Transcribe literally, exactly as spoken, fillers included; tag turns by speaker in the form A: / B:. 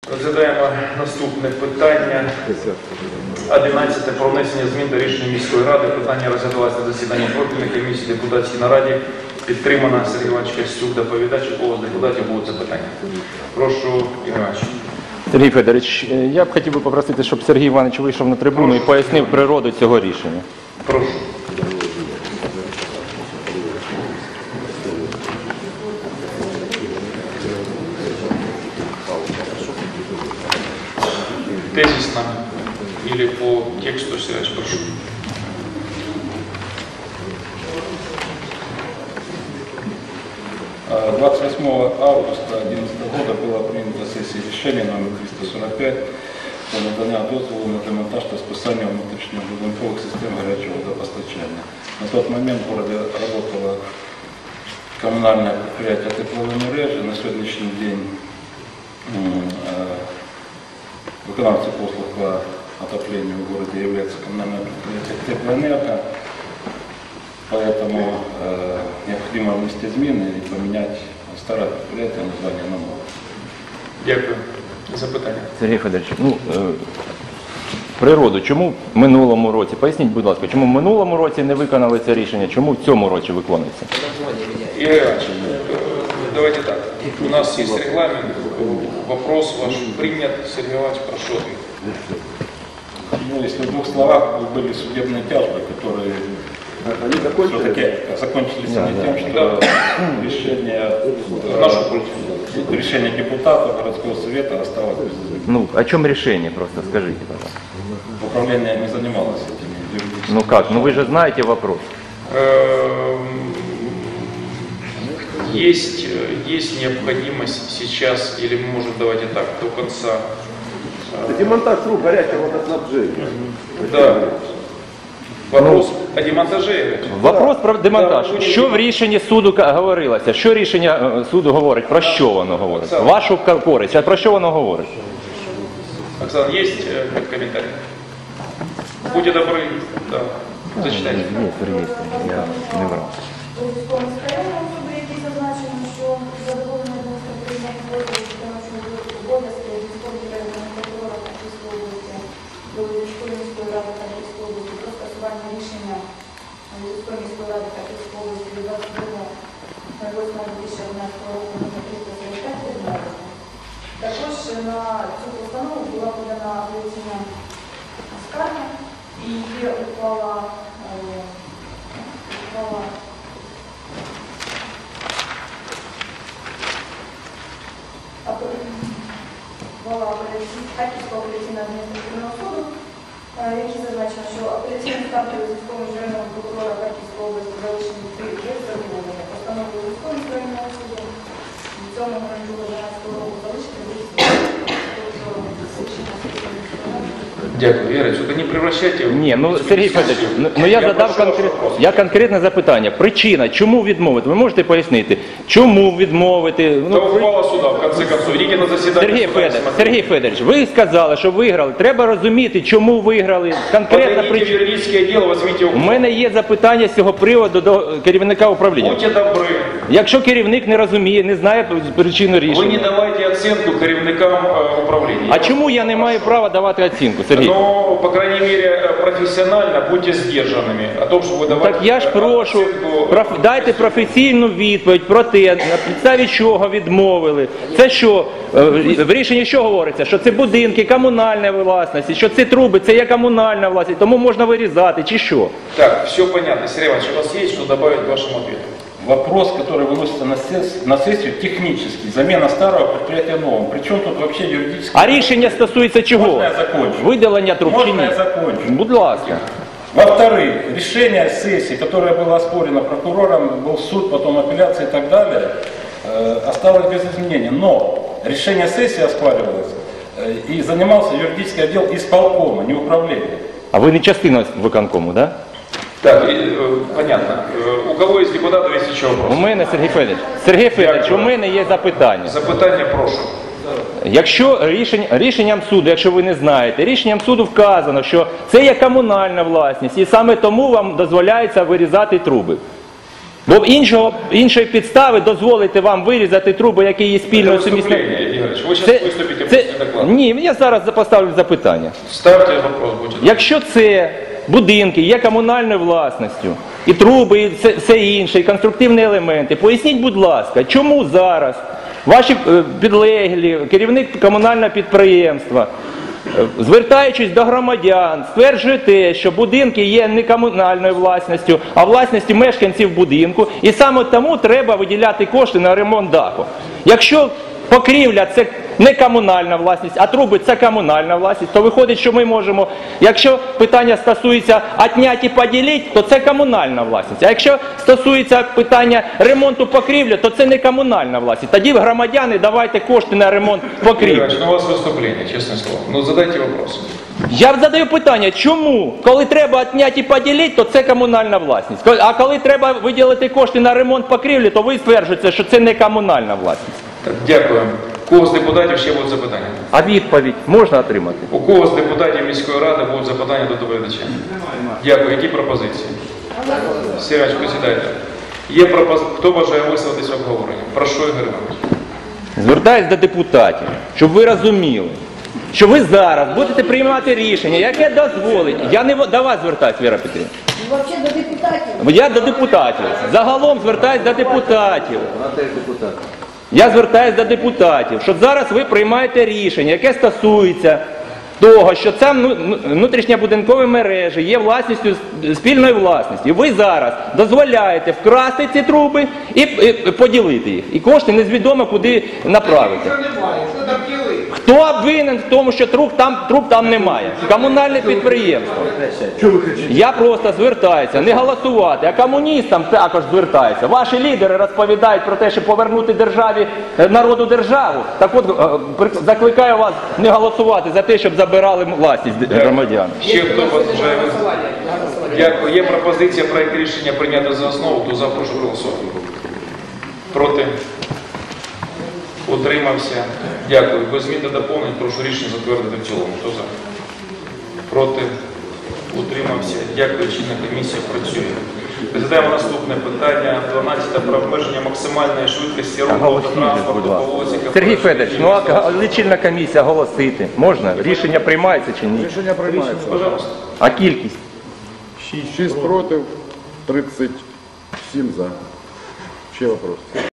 A: Розглядаємо наступне питання. одинадцяте. Про внесення змін до рішення міської ради. Питання розглядалося на засіданні профільної комісії депутатській нараді. Підтримана Сергій Іванович Костюк, доповідач. У кого з депутатів будуть запитання? Прошу, Ігор Іванович.
B: Сергій Федорович, я б хотів би попросити, щоб Сергій Іванович вийшов на трибуну і пояснив природу цього рішення.
A: Прошу. Тезисно или по тексту, Сергей, прошу.
C: двадцать восьмого августа две тысячи одиннадцатого года было принято сессия решения номер триста сорок пять про надання дозволу на демонтаж та списання внутрішньобудинкових систем горячего водопостачания. На тот момент в городе работало коммунальное предприятие тепловой мережи. На сегодняшний день виконавцем послуг по отоплению в городе является коммунальное предприятие Теплоэнерго. Поэтому э, необходимо внести измены и поменять старое предприятие название на новое.
A: Дякую. Запитання.
B: Сергій Федорович, ну, е, природу, чому в минулому році, поясніть, будь ласка, чому в минулому році не виконали це рішення, чому в цьому році виконується?
A: Игорь Иванович, давайте так. У нас есть регламент. Вопрос ваш принят. Сергей Иванович, прошу ответить.
C: Ну, если в двух словах, были судебные тяжбы, которые все-таки закончились
B: да,
C: не
B: да.
C: тем, что да. решение,
A: нашу пользу.
C: решение депутатов городского совета осталось без изменений.
B: Ну, о чем решение просто, скажите, пожалуйста.
C: Управление не занималось этими юридическими.
B: Ну как, ну вы же знаете вопрос.
A: Есть, есть необходимость сейчас, или мы можем, давайте так, до конца.
D: Демонтаж труб горячего водоснабжения.
A: Да. Вопрос о демонтаже.
B: Вопрос про демонтаж. Що в рішенні суду говорилося? Що рішення суду говорить? Про що воно говорить? Вашу користь. А про що воно говорить?
A: Оксана, есть комментарий? Будьте добры, да, зачитайте.
B: Ні, Сергій, я не врав.
E: У військовому скарбному особи, які зазначено, що задоволення адміністративного впливу виконавчого обов'язки військової районного прокурора Харківської області до військової міської ради Харківської області про скасування рішення військової міської ради Харківської області від двадцять другого восьмого дві тисячі одинадцятого року номер триста сорок п'ять відмовлено. Також на цю постанову була подана апеляційна скарга і є ухвала ухвала Була Харківського апеляційного адміністративного суду, який зазначив, що апеляційним скаргою військового міжнародного прокурора Харківської області залишені три є задоволення. Постановою військового міжнародного суду в цьому моменту дванадцятого року залишити
A: Дякую, Ігор, тільки не превращайте...
B: Ні, ну, Сергій Федорович, ну, ну я, я задав конкрет... я конкретне запитання. Причина, чому відмовити? Ви можете пояснити, чому відмовити?
A: Ну, ухвала суда, в конце концов. Идите на засідання.
B: Сергій Федорович, Сергій Федорович, ви сказали, що виграли. Треба розуміти, чому виграли. Конкретна причина. У мене є запитання з цього приводу до керівника управління.
A: Будьте добрі.
B: Якщо керівник не розуміє, не знає причину рішення.
A: Ви не давайте оцінку керівникам управління.
B: А чому я не маю права давати оцінку, Сергій?
A: Ну, по крайней мере, профессионально будьте сдержанными. О том, что вы давайте...
B: Так я ж прошу, проф... дайте професійну відповідь про те, на підставі чого відмовили. Це що? В рішенні що говориться? Що це будинки, комунальна власність, що це труби, це є комунальна власність, тому можна вирізати, чи що?
A: Так, все понятно. Сергей Иванович, у вас есть что добавить к вашему ответу?
C: Вопрос, который выносится на сессию, на сессию технический, замена старого предприятия новым. Причем тут вообще юридически...
B: А рішення стосується чого?
C: Можно я закончу?
B: Видалення труб чи ні?
C: Можно я закончу?
B: Будь ласка.
C: Во-вторых, решение сессии, которое было оспорено прокурором, был суд, потом апелляция и так далее, э, осталось без изменений. Но решение сессии оспаривалось э, и занимался юридический отдел исполкома, не управления.
B: А ви не частина виконкому, да?
A: Так, э, понятно. Э, у кого из депутатов есть еще вопрос?
B: У мене, Сергій Федорович, Сергій Федорович, у мене є запитання.
A: Запитання прошу.
B: Якщо рішень, рішенням суду, якщо ви не знаєте, рішенням суду вказано, що це є комунальна власність, і саме тому вам дозволяється вирізати труби. Бо іншого, іншої підстави дозволити вам вирізати труби, які є спільною сумісною.
A: Федорович, вы сейчас выступите после доклада.
B: Ні, я зараз поставлю запитання.
A: Ставьте вопрос, будьте добры.
B: Якщо це будинки є комунальною власністю, і труби, і все, все інше, і конструктивні елементи, поясніть, будь ласка, чому зараз ваші е, підлеглі, керівник комунального підприємства, е, звертаючись до громадян, стверджує те, що будинки є не комунальною власністю, а власністю мешканців будинку, і саме тому треба виділяти кошти на ремонт даху. Якщо покрівля – це не комунальна власність, а труби – це комунальна власність, то виходить, що ми можемо, якщо питання стосується «отнять і поділити», то це комунальна власність. А якщо стосується питання ремонту покрівлі, то це не комунальна власність. Тоді громадяни давайте кошти на ремонт покрівлі.
A: Федорович, ну у вас выступление, честное слово. Ну задайте вопрос.
B: Я задаю питання, чому? Коли треба «отнять і поділити», то це комунальна власність. А коли треба виділити кошти на ремонт покрівлі, то ви стверджуєте, що це не комунальна власність.
A: Так, дякую. У кого з депутатів ще будуть запитання?
B: А відповідь можна отримати?
A: У кого з депутатів міської ради будуть запитання до доповідача? Дякую. Які пропозиції? Сірач, присідайте. Є пропоз... Хто бажає висловитися в обговоренні? Прошу, Ігор Іванович.
B: Звертаюсь до депутатів, щоб ви розуміли, що ви зараз будете приймати рішення, яке дозволить. Я не до вас звертаюсь, Віра Петрівна.
E: Взагалі до депутатів.
B: Я до депутатів. Загалом звертаюсь до депутатів. Я звертаюсь до депутатів, що зараз ви приймаєте рішення, яке стосується того, що ця внутрішньобудинкові мережі є власністю спільної власності. І ви зараз дозволяєте вкрасти ці труби і, і поділити їх. І кошти незвідомо куди направити. Хто винен в тому, що труб там, труб там немає? Комунальне підприємство. Я просто звертаюся, не голосувати, а комуністам також звертаюся. Ваші лідери розповідають про те, що повернути державі, народу державу. Так от, закликаю вас не голосувати за те, щоб забирали власність громадян.
A: Ще хто бажає висловити? Дякую. Є пропозиція проект рішення прийняти за основу. Хто за, прошу голосувати. Проти? Утримався. Дякую. Без змін та доповнень прошу рішення затвердити в цілому. Хто за? Проти? Утримався. Дякую. Чинна комісія працює. Розглядаємо наступне питання. дванадцяте про обмеження максимальної швидкості руху та транспорту по вулиці.
B: Сергій Федорович, ну а лічильна комісія голосити можна? Рішення приймається чи ні?
D: Рішення приймається.
A: Пожалуйста.
B: А кількість?
D: шість проти, тридцять сім за. Ще вопрос.